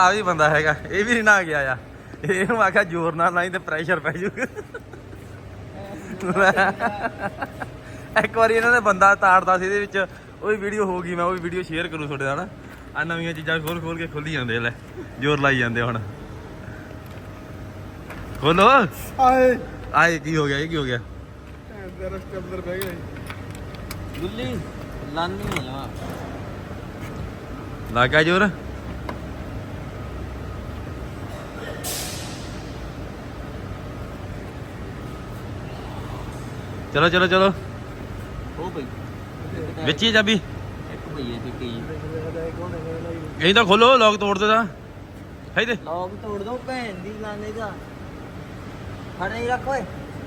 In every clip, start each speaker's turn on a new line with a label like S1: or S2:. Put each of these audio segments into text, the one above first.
S1: ਆ ਵੀ ਬੰਦਾ ਹੈਗਾ, ਇਹ ਵੀ ਨੀ ਨਾ ਗਿਆ ਆ। ਇਹਨੂੰ ਆਖਿਆ ਜ਼ੋਰ ਨਾਲ ਨਹੀਂ ਤੇ ਪ੍ਰੈਸ਼ਰ ਪੈ ਜਾਊਗਾ। ਇੱਕ ਵਾਰੀ ਇਹਨਾਂ ਨੇ ਬੰਦਾ ਤਾੜਦਾ ਸੀ ਇਹਦੇ ਵਿੱਚ, ਉਹ ਵੀ ਵੀਡੀਓ ਹੋ ਗਈ। ਮੈਂ ਉਹ ਵੀ ਵੀਡੀਓ ਸ਼ੇਅਰ ਕਰੂ ਤੁਹਾਡੇ ਨਾਲ। ਆ ਨਵੀਆਂ ਚੀਜ਼ਾਂ ਖੋਲ ਕੇ ਖੋਲੀ ਜਾਂਦੇ ਲੈ, ਜ਼ੋਰ ਲਾਈ ਜਾਂਦੇ। ਹੁਣ ਖੋਲੋ।
S2: ਆਏ
S1: ਆਏ ਕੀ ਹੋ ਗਿਆ? ਇਹ ਕੀ ਹੋ ਗਿਆ?
S2: ਤੇਰਾ ਸਟੈਪਲਰ ਬਹਿ ਗਿਆ
S3: ਗੁੱਲੀ ਲਾਨੀ ਆ ਜਮਾ
S1: ਲੱਗ ਗਿਆ ਜ਼ੋਰ। ਚਲੋ ਚਲੋ ਚਲੋ,
S3: ਉਹ ਬਈ
S1: ਵਿੱਚ ਹੀ ਚਾਬੀ।
S3: ਇੱਕ ਭਈਏ ਚਿੱਟੀ
S1: ਇਹੀ ਤਾਂ ਖੋਲੋ, ਲੋਕ ਤੋੜ ਦੇ ਤਾਂ ਹੈ ਤੇ।
S3: ਲੋਕ ਤੋੜ ਦੋ ਭੈਣ ਦੀ ਲਾਨੇ ਦਾ। ਫੜ ਨਹੀਂ ਰੱਖ ਓਏ,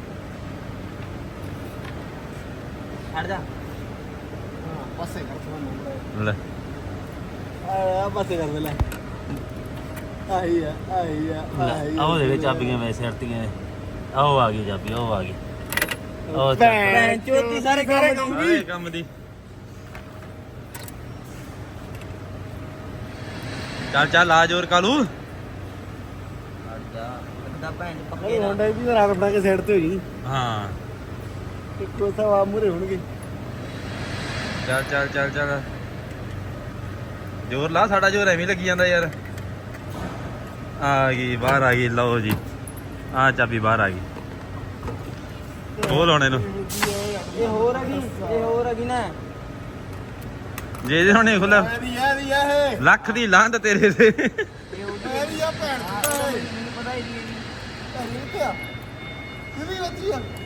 S3: ਛੱਡ ਜਾ। ਹਾਂ ਪਾਸੇ ਕਰ ਤੁਹਾਨੂੰ
S1: ਲੈ
S3: ਆ ਪਾਸੇ ਕਰ ਦੇ ਲੈ। ਆਈ ਆ
S4: ਆਹ ਦੇ ਚਾਬੀਆਂ ਵੈਸੇ ਹਟਦੀਆਂ। ਆਹ ਆ ਗਈ ਚਾਬੀ, ਉਹ ਆ ਗਈ। ਉਹ
S3: ਭੈਣ ਚੋਤੀ ਸਾਰੇ ਕੰਮ
S1: ਸਾਰੇ ਕੰਮ ਦੀ। ਚੱਲ ਚੱਲ ਆ ਜ਼ੋਰ ਕਾਲੂ।
S3: ਛੱਡ ਜਾ ਬੰਦਾ ਭੈਣ ਪੱਕੇ
S2: ਇਹ
S3: ਨਾ।
S2: ਹੋਂਡਾ ਵੀ ਰਾਤ ਬਣਾ ਕੇ ਸਾਈਡ ਤੇ ਹੋ ਜੀ।
S1: ਹਾਂ
S2: ਇੱਕੋ ਸਵਾ ਮੂਰੇ ਹੋਣਗੇ।
S1: ਚੱਲ ਚੱਲ ਚੱਲ ਚੱਲ, ਜ਼ੋਰ ਲਾ। ਸਾਡਾ ਜ਼ੋਰ ਐਵੇਂ ਲੱਗੀ ਜਾਂਦਾ ਯਾਰ। ਆ ਗਈ ਬਾਹਰ ਆ ਗਈ। ਲਓ ਜੀ, ਆ ਚਾਬੀ ਬਾਹਰ ਆ ਗਈ। ਖੋਲ ਹੁਣ ਇਹਨੂੰ।
S3: ਇਹ ਹੋਰ ਹੈਗੀ ਨਾ।
S1: ਜੇ ਇਹਦੇ ਹੁਣ ਨਹੀਂ ਖੁੱਲਿਆ,
S2: ਇਹਦੀ ਆ ਇਹ
S1: ਲੱਖ ਦੀ ਲਾਂਤ ਤੇਰੇ ਤੇ।
S2: ਇਹਦੀ ਆ ਭੈਣ
S3: ਮੈਨੂੰ ਪਤਾ ਹੀ ਨਹੀਂ।
S2: ਇਹ ਵੀ ਬੱਚੀ ਆ।